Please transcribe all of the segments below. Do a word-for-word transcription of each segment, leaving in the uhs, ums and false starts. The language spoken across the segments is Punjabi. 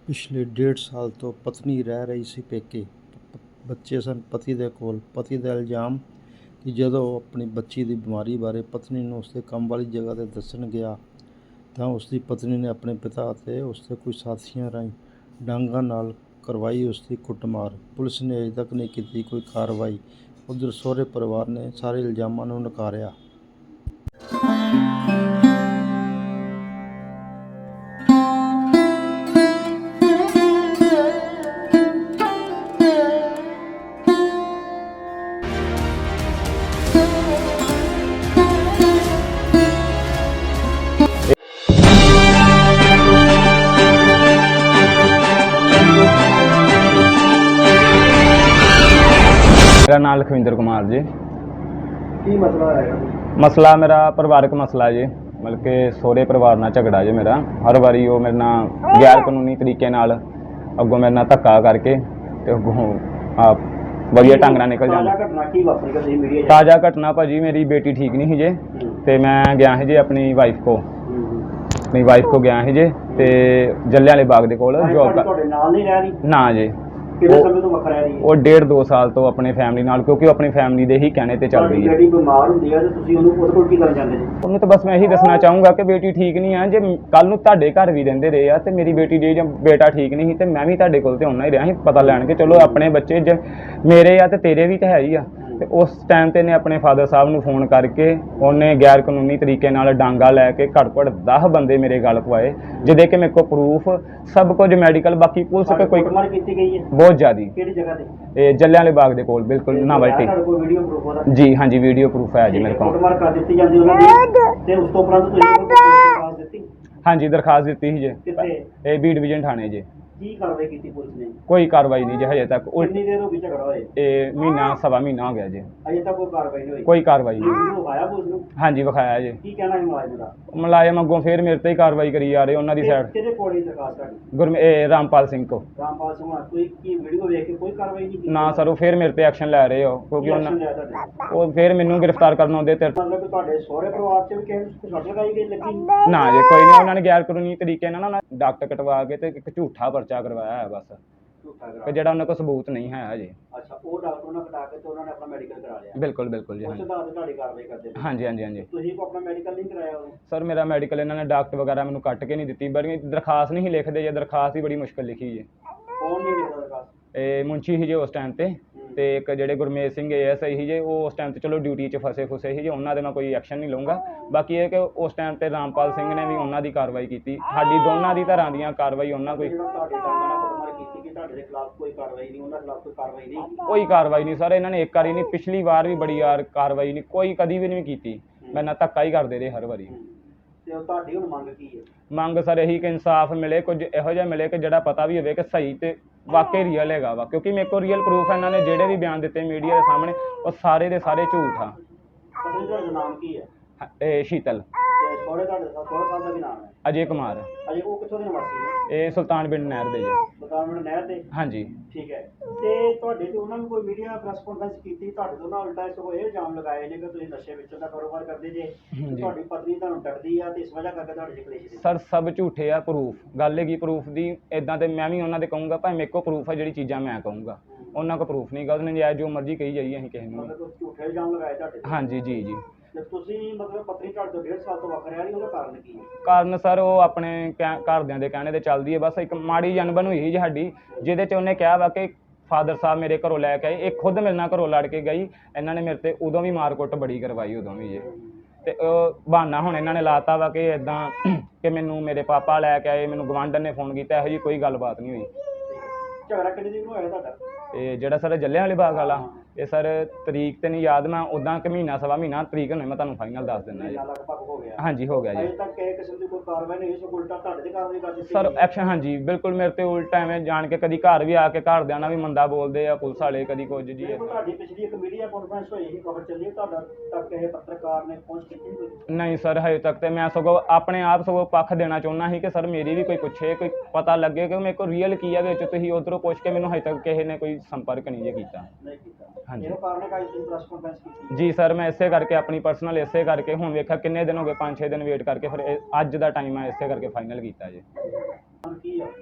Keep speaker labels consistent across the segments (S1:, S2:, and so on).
S1: ਪਿਛਲੇ ਡੇਢ ਸਾਲ ਤੋਂ ਪਤਨੀ ਰਹਿ ਰਹੀ ਸੀ ਪੇਕੇ। ਬੱਚੇ ਸਨ ਪਤੀ ਦੇ ਕੋਲ। ਪਤੀ ਦਾ ਇਲਜ਼ਾਮ ਕਿ ਜਦੋਂ ਉਹ ਆਪਣੀ ਬੱਚੀ ਦੀ ਬਿਮਾਰੀ ਬਾਰੇ ਪਤਨੀ ਨੂੰ ਉਸਦੇ ਕੰਮ ਵਾਲੀ ਜਗ੍ਹਾ 'ਤੇ ਦੱਸਣ ਗਿਆ ਤਾਂ ਉਸਦੀ ਪਤਨੀ ਨੇ ਆਪਣੇ ਪਿਤਾ ਅਤੇ ਉਸਦੇ ਕੁਝ ਸਾਥੀਆਂ ਰਾਹੀਂ ਡਾਂਗਾਂ ਨਾਲ ਕਰਵਾਈ ਉਸਦੀ ਕੁੱਟਮਾਰ। ਪੁਲਿਸ ਨੇ ਅਜੇ ਤੱਕ ਨਹੀਂ ਕੀਤੀ ਕੋਈ ਕਾਰਵਾਈ। ਉੱਧਰ ਸਹੁਰੇ ਪਰਿਵਾਰ ਨੇ ਸਾਰੇ ਇਲਜ਼ਾਮਾਂ ਨੂੰ ਨਕਾਰਿਆ।
S2: मेरा नाम लखविंदर कुमार जी।
S3: ਕੀ ਮਸਲਾ ਹੈ?
S2: मसला मेरा परिवारक मसला जी, मतलब कि सहुरे परिवार नाल झगड़ा जी मेरा। हर बारी वो मेरे नाल गैर कानूनी तरीके नाल अगों मेरे नाल धक्का करके ते अगों आप वधिया ढंग नाल निकल जांदा।
S3: ਘਟਨਾ ਕੀ ਵਾਪਰੀ ਕਦੇ ਮੀਡੀਆ
S2: ताज़ा घटना भाजी, मेरी बेटी ठीक नहीं ही जे ते मैं गया ही जे अपनी वाइफ को अपनी वाइफ को गया ही जे ते जलियांवाले बाग दे कोल जॉब कर
S3: ਤੁਹਾਡੇ ਨਾਲ ਨਹੀਂ ਰਹਿ ਰਹੀ?
S2: ना जी,
S3: ਕਿੰਨੇ ਸਮੇਂ ਤੋਂ ਵੱਖਰਾ ਰਹੀ?
S2: ਉਹ ਡੇਢ ਦੋ ਸਾਲ ਤੋਂ ਆਪਣੇ ਫੈਮਿਲੀ ਨਾਲ, ਕਿਉਂਕਿ ਉਹ ਆਪਣੀ ਫੈਮਿਲੀ ਦੇ ਹੀ ਕਹਿਣੇ ਤੇ ਚੱਲ ਰਹੀ ਹੈ।
S3: ਜਿਹੜੀ ਬਿਮਾਰ ਹੁੰਦੀ ਹੈ ਤੇ ਤੁਸੀਂ ਉਹਨੂੰ ਉਹਦੇ ਕੋਲ ਕੀ ਕਰਨ ਜਾਂਦੇ ਜੀ?
S2: ਉਹਨੂੰ ਤਾਂ ਬਸ ਮੈਂ ਇਹੀ ਦੱਸਣਾ ਚਾਹੂੰਗਾ ਕਿ ਬੇਟੀ ਠੀਕ ਨਹੀਂ ਆ। ਜੇ ਕੱਲ ਨੂੰ ਤੁਹਾਡੇ ਘਰ ਵੀ ਰਹਿੰਦੇ ਰਹੇ ਆ ਤੇ ਮੇਰੀ ਬੇਟੀ ਜੇ ਜਾਂ ਬੇਟਾ ਠੀਕ ਨਹੀਂ ਸੀ ਤੇ ਮੈਂ ਵੀ ਤੁਹਾਡੇ ਕੋਲ ਤੇ ਆਉਣਾ ਹੀ ਰਿਹਾ ਸੀ ਪਤਾ ਲੈਣ ਕੇ। ਚਲੋ ਆਪਣੇ ਬੱਚੇ ਜੇ ਮੇਰੇ ਆ ਤੇ ਤੇਰੇ ਵੀ ਤਾਂ ਹੈ ਹੀ ਆ। ਤੇ ਉਸ ਟਾਈਮ ਤੇ ਨੇ ਆਪਣੇ ਫਾਦਰ ਸਾਹਿਬ ਨੂੰ ਫੋਨ ਕਰਕੇ ਉਹਨੇ ਗੈਰ ਕਾਨੂੰਨੀ ਤਰੀਕੇ ਨਾਲ ਡਾਂਗਾ ਲੈ ਕੇ ਘੱਟ ਘੱਟ ਦਸ ਬੰਦੇ ਮੇਰੇ ਗਲ ਪਵਾਏ, ਜਿਹਦੇ ਕਿ ਮੇਰੇ ਕੋਲ ਪ੍ਰੂਫ ਸਭ ਕੁਝ ਮੈਡੀਕਲ, ਬਾਕੀ ਪੁਲਿਸ ਕੋਲ ਕੋਈ
S3: ਕੁੱਟਮਾਰ ਕੀਤੀ ਗਈ ਹੈ?
S2: ਬਹੁਤ ਜ਼ਿਆਦੀ।
S3: ਕਿਹੜੀ ਜਗ੍ਹਾ ਤੇ?
S2: ਇਹ ਜਲਿਆਂਵਾਲੇ ਬਾਗ ਦੇ ਕੋਲ ਬਿਲਕੁਲ ਨਾਵਲਟੀ।
S3: ਤੁਹਾਡੇ ਕੋਲ ਵੀਡੀਓ ਪ੍ਰੂਫ ਉਹਦਾ?
S2: ਜੀ ਹਾਂਜੀ, ਵੀਡੀਓ ਪ੍ਰੂਫ ਹੈ ਜੀ ਮੇਰੇ ਕੋਲ।
S3: ਕੁੱਟਮਾਰ ਕਰ ਦਿੱਤੀ ਜਾਂਦੀ ਉਹਨਾਂ ਦੀ ਤੇ ਉਸ ਤੋਂ ਉਪਰੰਤ ਤੁਸੀਂ ਉਹਨੂੰ ਦਰਖਾਸਤ ਦਿੱਤੀ?
S2: ਹਾਂਜੀ, ਦਰਖਾਸਤ ਦਿੱਤੀ ਸੀ ਜੀ।
S3: ਕਿੱਥੇ?
S2: ਇਹ ਬੀ ਡਿਵੀਜ਼ਨ ਥਾਣੇ ਜੀ।
S3: ਕੀ ਕਾਰਵਾਈ ਕੀਤੀ ਪੁਲਿਸ ਨੇ?
S2: ਕੋਈ ਕਾਰਵਾਈ ਨਹੀਂ ਜੀ ਹਜੇ ਤੱਕ। ਉਲਟ
S3: ਕਿੰਨੀ ਦੇਰ ਹੋ ਗਈ ਝਗੜਾ ਹੋਏ?
S2: ਇਹ ਮਹੀਨਾ ਸਵਾ ਮਹੀਨਾ ਹੋ ਗਿਆ ਜੀ,
S3: ਅਜੇ ਤੱਕ ਕੋਈ ਕਾਰਵਾਈ ਨਹੀਂ ਹੋਈ?
S2: ਕੋਈ ਕਾਰਵਾਈ ਨਹੀਂ।
S3: ਵੀਡੀਓ ਵਿਖਾਇਆ ਪੁਲਿਸ ਨੂੰ?
S2: ਹਾਂਜੀ ਵਿਖਾਇਆ ਜੀ।
S3: ਕੀ ਕਹਿਣਾ ਹੈ ਮੁਲਾਜ਼ਮ ਦਾ?
S2: ਮੁਲਾਜ਼ਮ ਅੱਗੋਂ ਫਿਰ ਮੇਰੇ ਤੇ ਹੀ ਕਾਰਵਾਈ ਕਰੀ ਜਾ ਰਹੇ ਉਹਨਾਂ ਦੀ ਸਾਈਡ।
S3: ਕਿਹਦੇ ਕੋਲ ਹੀ ਦਰਖਾਸਤ ਤੁਹਾਡੀ?
S2: ਗੁਰਮ ਇਹ ਰਾਮਪਾਲ ਸਿੰਘ ਕੋ।
S3: ਰਾਮਪਾਲ ਸਿੰਘ ਹੋਣਾ ਕੋਈ ਕੀ ਵੀਡੀਓ ਵੇਖ ਕੇ ਕੋਈ ਕਾਰਵਾਈ ਨਹੀਂ ਕੀਤੀ?
S2: ਨਾ ਸਰ, ਉਹ ਫਿਰ ਮੇਰੇ ਤੇ ਐਕਸ਼ਨ ਲੈ ਰਹੇ ਹੋ ਕਿਉਂਕਿ ਉਹਨਾਂ
S3: ਲਿਆ ਤੁਹਾਡੇ?
S2: ਉਹ ਫਿਰ ਮੈਨੂੰ ਗ੍ਰਿਫਤਾਰ ਕਰਨ ਆਉਂਦੇ ਤੇ।
S3: ਮਤਲਬ ਕਿ ਤੁਹਾਡੇ ਸਹੁਰੇ ਪਰਿਵਾਰ ਚ ਵੀ ਕਿਸੇ ਨੂੰ ਸੱਟ ਲਗਾਈ ਗਈ ਲੱਗੀ?
S2: ਨਾ ਜੀ, ਕੋਈ ਨਹੀਂ। ਉਹਨਾਂ ਨੇ ਗੈਰ ਕਾਨੂੰਨੀ ਤਰੀਕੇ ਨਾਲ ਨਾ ਡਾਕਟਰ ਕਟਵਾ ਕੇ ਤੇ ਇੱਕ ਝੂਠਾ ਪਰਚਾ ਕਰਵਾਇਆ ਹੈ ਬਸ,
S3: ਝੂਠਾ
S2: ਕਿ
S3: ਕਰਾ?
S2: ਜਿਹੜਾ ਉਹਨਾਂ ਕੋਲ ਸਬੂਤ ਨਹੀਂ ਹੈ ਜੀ।
S3: ਅੱਛਾ, ਉਹ ਡਾਕਟਰ ਨਾਲ ਕਟਾ ਕੇ ਤੇ ਉਹਨਾਂ ਨੇ ਆਪਣਾ ਮੈਡੀਕਲ ਕਰਾ ਲਿਆ?
S2: ਬਿਲਕੁਲ ਬਿਲकुल ਜੀ।
S3: ਉਸ
S2: ਹਾਂਜੀ
S3: ਆਧਾਰ ਤੇ ਤੁਹਾਡੀ ਕਾਰਵਾਈ ਕਰਦੇ ਨੇ?
S2: ਹਾਂਜੀ ਹਾਂਜੀ ਹਾਂਜੀ।
S3: ਤੁਸੀਂ ਕੋ ਆਪਣਾ ਮੈਡੀਕਲ ਨਹੀਂ ਕਰਾਇਆ ਉਹ?
S2: ਸਰ ਮੇਰਾ ਮੈਡੀਕਲ ਇਹਨਾਂ ਨੇ ਡਾਕਟਰ ਵਗੈਰਾ ਮੈਨੂੰ ਕੱਟ ਕੇ ਨਹੀਂ ਦਿੱਤੀ, ਬੜੀ ਦਰਖਾਸਤ ਨਹੀਂ ਸੀ ਲਿਖਦੇ ਜੇ। ਦਰਖਾਸਤ ਹੀ ਬੜੀ ਮੁਸ਼ਕਿਲ ਲਿਖੀ ਜੇ।
S3: ਕੌਣ ਨਹੀਂ ਲਿਖਦਾ ਦਰਖਾਸਤ?
S2: ਇਹ ਮੁੰਸ਼ੀ ਸੀ ਜੇ ਉਸ ਟਾਈਮ ਤੇ ਤੇ ਇੱਕ ਜਿਹੜੇ Gurmej Singh A S I ਸੀ ਜੇ, ਉਹ ਉਸ ਟਾਈਮ ਤੇ ਚਲੋ ਡਿਊਟੀ 'ਚ ਫਸੇ ਫੁਸੇ ਸੀ ਜੇ। ਉਹਨਾਂ ਦੇ ਮੈਂ ਕੋਈ ਐਕਸ਼ਨ ਨਹੀਂ ਲਊਂਗਾ। ਬਾਕੀ ਇਹ ਕਿ ਉਸ ਟਾਈਮ ਤੇ ਰਾਮਪਾਲ ਸਿੰਘ ਨੇ ਵੀ ਉਹਨਾਂ ਦੀ ਕਾਰਵਾਈ ਕੀਤੀ। ਸਾਡੀ ਦੋਨਾਂ ਦੀ ਤਰ੍ਹਾਂ ਦੀਆਂ ਕਾਰਵਾਈ ਉਹਨਾਂ ਕੋਈ
S3: ਜਿਹੜਾ ਤੁਹਾਡੇ ਡਾਂਗਾ ਨਾਲ ਕੁੱਟਮਾਰ ਕੀਤੀ ਕਿ ਤੁਹਾਡੇ ਦੇ ਖਿਲਾਫ ਕੋਈ ਕਾਰਵਾਈ ਨਹੀਂ, ਉਹਨਾਂ ਖਿਲਾਫ ਕੋਈ ਕਾਰਵਾਈ ਨਹੀਂ?
S2: ਕੋਈ ਕਾਰਵਾਈ ਨਹੀਂ ਸਰ। ਇਹਨਾਂ ਨੇ ਇੱਕ ਵਾਰੀ ਨਹੀਂ, ਪਿਛਲੀ ਵਾਰ ਵੀ ਬੜੀ ਵਾਰ ਕਾਰਵਾਈ ਨਹੀਂ, ਕੋਈ ਕਦੀ ਵੀ ਨਹੀਂ ਕੀਤੀ। ਮੈਂ ਨਾ ਧੱਕਾ ਹੀ ਕਰਦੇ ਰਹੇ ਹਰ ਵਾਰੀ।
S3: ਤੇ ਉਹ ਤੁਹਾਡੀ ਹੁਣ ਮੰਗ ਕੀ ਹੈ?
S2: ਮੰਗ ਸਰ ਇਹੀ ਕਿ ਇਨਸਾਫ ਮਿਲੇ, ਕੁਝ ਇਹੋ ਜਿਹਾ ਮਿਲੇ ਕਿ ਜਿਹੜਾ ਪਤਾ ਵੀ ਹੋਵੇ ਕਿ ਸਹੀ ਤੇ ਵਾਕਈ ਰੀਅਲ ਹੈਗਾ ਵਾ। ਕਿਉਂਕਿ ਮੇਰੇ ਕੋਲ ਰੀਅਲ ਪ੍ਰੂਫ ਹੈ। ਇਹਨਾਂ ਨੇ ਜਿਹੜੇ ਵੀ ਬਿਆਨ ਦਿੱਤੇ ਮੀਡੀਆ ਦੇ ਸਾਹਮਣੇ ਉਹ ਸਾਰੇ ਦੇ ਸਾਰੇ ਝੂਠ ਆ।
S3: ਪਤਨੀ ਤੁਹਾਡਾ ਨਾਮ ਕੀ ਹੈ?
S2: ਇਹ ਸ਼ੀਤਲ।
S3: ਤੇ ਸਹੁਰੇ ਤੁਹਾਡੇ ਸਹੁਰੇ ਸਾਹਿਬ ਦਾ ਵੀ ਨਾਮ ਹੈ?
S2: ਅਜੇ ਕੁਮਾਰ।
S3: ਅਜੇ ਉਹ ਕਿੱਥੋਂ ਦੇ ਨਿਵਾਸੀ ਨੇ?
S2: ਇਹ ਸੁਲਤਾਨ ਬਿੰਡ ਨਹਿਰ ਦੇ ਜੀ।
S3: ਬਤਾਵਣ ਨਹਿਰ ਦੇ?
S2: ਹਾਂਜੀ।
S3: ਠੀਕ ਹੈ। ਤੇ ਤੁਹਾਡੇ ਤੇ ਉਹਨਾਂ ਨੂੰ ਕੋਈ ਮੀਡੀਆ ਪ੍ਰੈਸ ਕਾਨਫਰੰਸ ਕੀਤੀ? ਤੁਹਾਡੇ ਤੋਂ ਨਾ ਉਲਟਾ ਸਗੋਂ ਇਹ ਇਲਜ਼ਾਮ ਲਗਾਏ ਨੇ ਕਿ ਤੁਸੀਂ ਨਸ਼ੇ ਵੇਚਣ ਦਾ ਕਾਰੋਬਾਰ ਕਰਦੇ ਜੇ, ਤੁਹਾਡੀ ਪਤਨੀ ਤੁਹਾਨੂੰ ਡਰਦੀ ਆ ਤੇ ਇਸ ਵਜ੍ਹਾ ਕਰਕੇ ਤੁਹਾਡੇ ਚ ਕਲੇਸ਼?
S2: ਸਰ ਸਭ ਝੂਠੇ ਆ। ਪ੍ਰੂਫ ਗੱਲ ਹੈਗੀ ਪ੍ਰੂਫ ਦੀ। ਇਦਾਂ ਤੇ ਮੈਂ ਵੀ ਉਹਨਾਂ ਦੇ ਕਹੂੰਗਾ ਭਾਵੇਂ ਮੇਰੇ ਕੋਲ ਪ੍ਰੂਫ ਹੈ ਜਿਹੜੀ ਚੀਜ਼ਾਂ ਮੈਂ ਕਹੂੰਗਾ, ਉਹਨਾਂ ਕੋਲ ਪ੍ਰੂਫ ਨਹੀਂ ਗਾ। ਉਹਨੇ ਜਾਇਜ਼ ਜੋ ਮਰਜ਼ੀ ਕਹੀ ਜਾਈਏ ਅਸੀਂ ਕਿਸੇ ਨੂੰ।
S3: ਮਤਲਬ ਝੂਠੇ ਇਲਜ਼ਾਮ ਲਗਾਏ ਤੁਹਾਡੇ?
S2: ਹਾਂਜੀ ਜੀ ਜੀ।
S3: ਤੇ ਤੁਸੀਂ ਮਤਲਬ ਪਤਨੀ ਤੁਹਾਡੇ ਤੋਂ ਡੇਢ ਸਾਲ ਤੋਂ ਵੱਖ ਰਹਿ ਰਹੀ, ਉਹਦਾ ਕਾਰਨ ਕੀ ਹੈ?
S2: ਕਾਰਨ ਸਰ ਉਹ ਆਪਣੇ ਘਰਦਿਆਂ ਦੇ ਕਹਿਣੇ ਤੇ ਚੱਲਦੀ ਹੈ। ਬਸ ਇੱਕ ਮਾੜੀ ਜਨਬਨ ਹੋਈ ਸੀ ਸਾਡੀ, ਜਿਹਦੇ 'ਚ ਉਹਨੇ ਕਿਹਾ ਵਾ ਕਿ ਫਾਦਰ ਸਾਹਿਬ ਮੇਰੇ ਘਰੋਂ ਲੈ ਕੇ ਆਏ। ਇਹ ਖੁਦ ਮੇਰੇ ਨਾਲ ਘਰੋਂ ਲੜ ਕੇ ਗਈ। ਇਹਨਾਂ ਨੇ ਮੇਰੇ ਤੇ ਉਦੋਂ ਵੀ ਮਾਰ ਕੁੱਟ ਬੜੀ ਕਰਵਾਈ ਉਦੋਂ ਵੀ ਜੇ। ਤੇ ਉਹ ਬਹਾਨਾ ਹੁਣ ਇਹਨਾਂ ਨੇ ਲਾਤਾ ਵਾ ਕਿ ਇੱਦਾਂ ਕਿ ਮੈਨੂੰ ਮੇਰੇ ਪਾਪਾ ਲੈ ਕੇ ਆਏ, ਮੈਨੂੰ ਗਵਾਂਢਣ ਨੇ ਫੋਨ ਕੀਤਾ। ਇਹੋ ਜਿਹੀ ਕੋਈ ਗੱਲਬਾਤ ਨਹੀਂ ਹੋਈ।
S3: ਝਗੜਾ ਕਿੰਨੇ ਦਿਨ ਹੋਇਆ ਤੁਹਾਡਾ?
S2: ਇਹ ਜਿਹੜਾ ਸਰ ਜਲਿਆਂਵਾਲੇ ਬਾਗ ਵਾਲਾ, ਇਹ ਸਰ ਤਰੀਕ ਤੇ ਨਹੀਂ ਯਾਦ, ਮੈਂ ਉਦਾਂ ਕਿ ਮਹੀਨਾ ਸਵਾ ਮਹੀਨਾ ਤਰੀਕ ਹੋਣੀ ਮੈਂ ਤੁਹਾਨੂੰ ਫਾਈਨਲ ਦੱਸ ਦਿੰਦਾ ਜੀ।
S3: ਲਗਭਗ ਹੋ ਗਿਆ?
S2: ਹਾਂਜੀ ਹੋ ਗਿਆ ਜੀ।
S3: ਅਜੇ ਤੱਕ ਕਿਸੇ ਕਿਸਮ ਦੀ ਕੋਈ ਕਾਰਵਾਈ ਨਹੀਂ ਹੋਈ, ਸੋ ਉਲਟਾ ਤੁਹਾਡੇ ਤੇ ਕਾਰਵਾਈ ਕਰ ਦਿੱਤੀ
S2: ਸਰ ਐਕਸ਼ਨ ਹਾਂਜੀ ਬਿਲਕੁਲ ਮੇਰੇ ਤੇ ਉਲਟਾ ਐਵੇਂ ਜਾਣ ਕੇ ਕਦੀ ਘਰ ਵੀ ਆ ਕੇ ਘਰਦਿਆਂ ਨਾਲ ਵੀ ਮੰਦਾ ਬੋਲਦੇ ਆ ਪੁਲਿਸ ਵਾਲੇ, ਕਦੀ ਕੁਝ ਜੀ।
S3: ਤੁਹਾਡੀ ਪਿਛਲੀ ਇੱਕ ਮੀਡੀਆ ਕਾਨਫਰੰਸ ਹੋਈ ਸੀ, ਖਬਰ ਚੱਲੀ, ਤੁਹਾਡਾ ਤੱਕ ਇਹ ਪੱਤਰਕਾਰ ਨੇ ਪਹੁੰਚ ਕੀਤੀ ਕੋਈ?
S2: ਨਹੀਂ ਸਰ ਹਜੇ ਤੱਕ ਤੇ ਮੈਂ ਸਗੋਂ ਆਪਣੇ ਆਪ ਸਗੋਂ ਪੱਖ ਦੇਣਾ ਚਾਹੁੰਦਾ ਸੀ ਕਿ ਸਰ ਮੇਰੀ ਵੀ ਕੋਈ ਪੁੱਛੇ, ਕੋਈ ਪਤਾ ਲੱਗੇ ਕਿ ਮੇਰੇ ਕੋਲ ਰੀਅਲ ਕੀ ਆ ਵਿੱਚ। ਤੁਸੀਂ ਉੱਧਰੋਂ ਪੁੱਛ ਕੇ ਮੈਨੂੰ ਹਜੇ ਤੱਕ ਕਿਸੇ ਨੇ ਕੋਈ ਸੰਪਰਕ ਨਹੀਂ ਜੇ ਕੀਤਾ।
S3: ਨਹੀਂ ਕੀਤਾ?
S2: ਹਾਂਜੀ।
S3: ਇਹੋ ਕਾਰਨ ਹੈ ਕਿ ਅੱਜ ਤੁਸੀਂ ਪ੍ਰੈਸ ਕਾਨਫਰੰਸ ਕੀਤੀ?
S2: ਜੀ ਸਰ ਮੈਂ ਇਸੇ ਕਰਕੇ ਆਪਣੀ ਪਰਸਨਲ ਇਸੇ ਕਰਕੇ ਹੁਣ ਵੇਖਿਆ ਕਿੰਨੇ ਦਿਨ ਹੋ ਗਏ, ਪੰਜ ਛੇ ਦਿਨ ਵੇਟ ਕਰਕੇ ਫਿਰ ਅੱਜ ਦਾ ਟਾਈਮ ਹੈ, ਇਸੇ ਕਰਕੇ ਫਾਈਨਲ ਕੀਤਾ ਜੀ।
S3: ਕੀ ਆ?